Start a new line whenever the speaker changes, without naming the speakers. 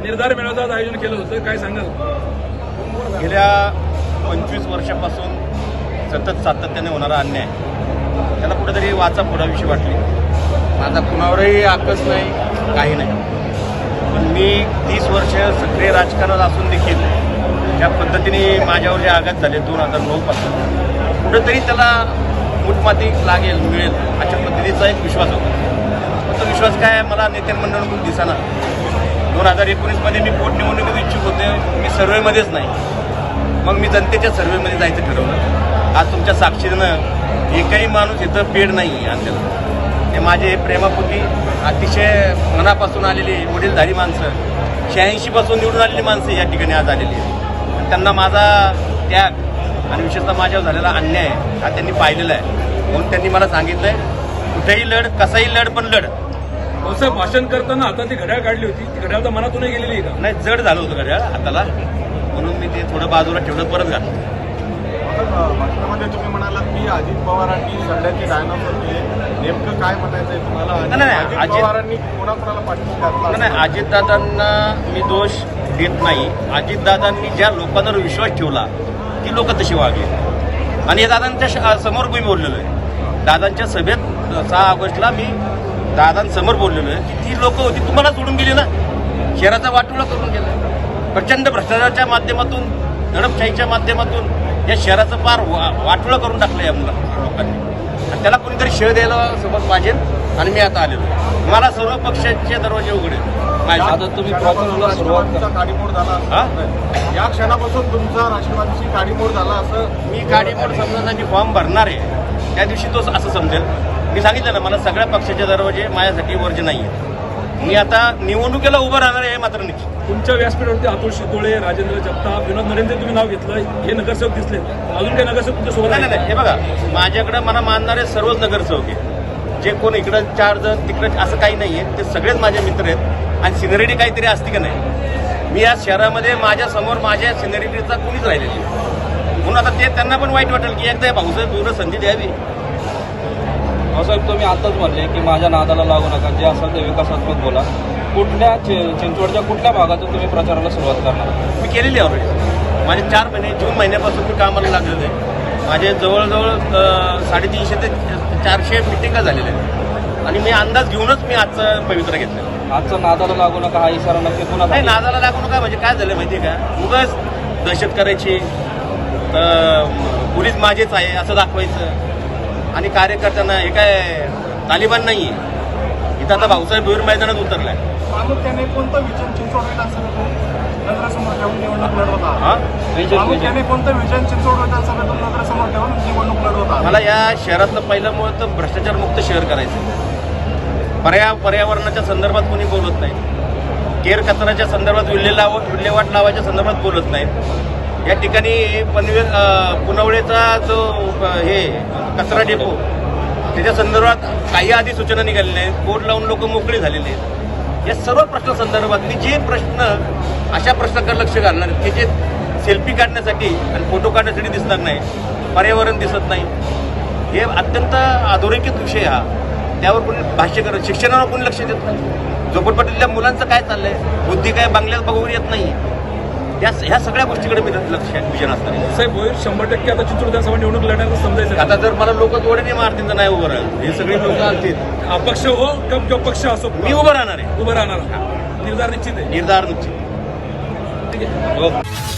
निर्धार मेळाव्याचं आयोजन केलं होतं, काय सांगाल?
गेल्या 25 वर्षापासून सतत सातत्याने होणारा अन्याय, त्याला कुठेतरी वाचा फोडाविषयी वाटली. माझा कुणावरही आकस नाही, काही नाही. पण मी 30 वर्ष सक्रिय राजकारणात असून देखील ज्या पद्धतीने माझ्यावर जे आघात झाले 2009 पासून, कुठेतरी त्याला मुठमाती लागेल, मिळेल अशा पद्धतीचा एक विश्वास होता. तो विश्वास काय मला नेत्यांमंडळाकडून दिसेना. 2019मध्ये मी पोटनिवडणुकीत इच्छुक होते, मी सर्वेमध्येच नाही. मग मी जनतेच्या सर्वेमध्ये जायचं ठरवलं. आज तुमच्या साक्षीनं एकही माणूस इथं पेड नाही आहे आणलेला. ते माझे प्रेमापोटी अतिशय मनापासून आलेली वडीलधारी माणसं, 86 पासून निवडून आलेली माणसं या ठिकाणी आज आलेली आहेत. त्यांना माझा त्याग आणि विशेषतः माझ्यावर झालेला अन्याय हा त्यांनी पाहिलेला आहे. म्हणून त्यांनी मला सांगितलंय, कुठेही लढ, कसाही लढ, पण लढ.
असं भाषण करताना हातात ती घड्याळ काढली होती, ती घड्याळ तर मनातूनही गेलेली आहे का?
नाही, जड झालं होतं घड्याळ हाताला, म्हणून मी ते थोडं बाजूला ठेवलं, परत घातलं.
भाषणामध्ये तुम्ही म्हणालात की अजित पवारांनी सध्याचे डायनॉसॉर केले, नेमकं काय म्हणायचंय तुम्हाला?
नाही,
अजित पवारांनी कोणाकोणाला पाठिंबा घातला?
नाही, अजितदादांना मी दोष देत नाही. अजितदादांनी ज्या लोकांवर विश्वास ठेवला ती लोक तशी वागली. आणि हे दादांच्या समोर मी बोललेलो आहे. दादांच्या सभेत 6 ऑगस्टला मी दादांसमोर बोललेलो आहे की ती लोक होती तुम्हाला सोडून गेली ना, शहराचा वाटोळा करून गेला. प्रचंड भ्रष्टाचाराच्या माध्यमातून, दडपशाहीच्या माध्यमातून या शहराचं फार वाटोळा करून टाकलं या लोकांनी. आणि त्याला कोणीतरी श्रेय द्यायला सोबत पाहिजे. आणि मी आता आलेलो, मला सर्व पक्षाचे दरवाजे उघडे.
आता तुम्ही राष्ट्रवादीचा काडीमोड झाला, या क्षणापासून तुमचा राष्ट्रवादीची काडीमोड झाला असं
मी काडीमोड समजून मी फॉर्म भरणार आहे त्या दिवशी तो असं समजेल. मी सांगितलं ना, मला सगळ्या पक्षाचे दरवाजे माझ्यासाठी वर्ज नाही आहे. मी आता निवडणुकीला उभं राहणार आहे मात्र निश्चित.
तुमच्या व्यासपीठावरती अतुल शितोळे, राजेंद्र जगताप, विनोद नरेंद्र तुम्ही नाव घेतलं, हे नगरसेवक दिसले. अजून काही नगरसेवक तुमच्या सोबत?
नाही, हे बघा, माझ्याकडे मला मानणारे सर्वच नगरसेवक आहे. जे कोण इकडं 4 जण तिकडं असं काही नाही आहे, ते सगळेच माझे मित्र आहेत. आणि सिनियरिटी काहीतरी असते का नाही, मी या शहरामध्ये माझ्यासमोर माझ्या सिनियरिटीचा कोणीच राहिलेली नाही. म्हणून आता ते त्यांना पण वाईट वाटेल की एकदा भाऊसाहेब पूर्ण संधी द्यावी.
भाऊसाहेब, तुम्ही आताच म्हणले की माझ्या नादाला लागू नका, जे असेल ते विकासात्मक बोला. कुठल्या चिंचवडच्या कुठल्या भागातून तुम्ही प्रचाराला सुरुवात करणार?
मी केलेली आहे ऑलरेडी. माझे 4 महिने, जून महिन्यापासून मी कामाला लागलेलं आहे. माझे जवळजवळ 350 ते 400 मिटिंगा झालेल्या आहेत. आणि मी अंदाज घेऊनच मी आजचं पवित्र घेतलं.
आजचं नादाला लागू नका हा इशारा नक्की पुन्हा
नाही, नादाला लागू नका म्हणजे काय झालं माहिती आहे का, उगाच दहशत करायची, पोलीस माझेच आहे असं दाखवायचं. आणि कार्यकर्त्यांना हे काय तालिबान नाही आहे. इथं आता भाऊसाहेब भुईर मैदानात उतरलाय.
प्रामुख्याने कोणतं विजन चिंचवड विधानसभेतून नगरासमोर ठेवून निवडणूक लढवता? प्रामुख्याने कोणतं विजन चिंचवड विधानसभेतून नगरासमोर ठेवून निवडणूक लढवता?
मला या शहरातलं पहिलं मुळ तर भ्रष्टाचार मुक्त शहर करायचं. पर्यावरणाच्या संदर्भात कोणी बोलत नाही. केर कचऱ्याच्या संदर्भात विल्हेवाट लावायच्या संदर्भात बोलत नाहीत. या ठिकाणी पनवेल पुनवळेचा जो हे कचरा डेपो, त्याच्या संदर्भात काही आधी सूचना निघालेल्या आहेत. बोर्ड लावून लोक मोकळी झालेली आहेत. या सर्व प्रश्नासंदर्भात मी जे प्रश्न अशा प्रश्नाकडे लक्ष घालणार की जे सेल्फी काढण्यासाठी आणि फोटो काढण्यासाठी दिसणार नाही, पर्यावरण दिसत नाही, हे अत्यंत अधोरेखित विषय हा. त्यावर कोणी भाष्य करत, शिक्षणावर कोणी लक्ष देत नाही. झोपडपट्टीतल्या मुलांचं काय चाललंय, बुद्धी काय बंगल्यात बघून येत नाही. ह्या सगळ्या गोष्टीकडे मी लक्ष विजन असणार आहे.
साहेब, भोईर 100% आता चिंचवड विधानसभा निवडणूक लढण्याचं समजायचं.
आता जर मला लोक जोडे मारतील तर नाही उभं राहील. हे सगळे लोक असतील,
अपक्ष हो किंवा पक्ष असो,
मी उभं राहणार आहे.
उभं राहणार. निर्धार निश्चित आहे.
निर्धार निश्चित.
ठीक आहे.
हो.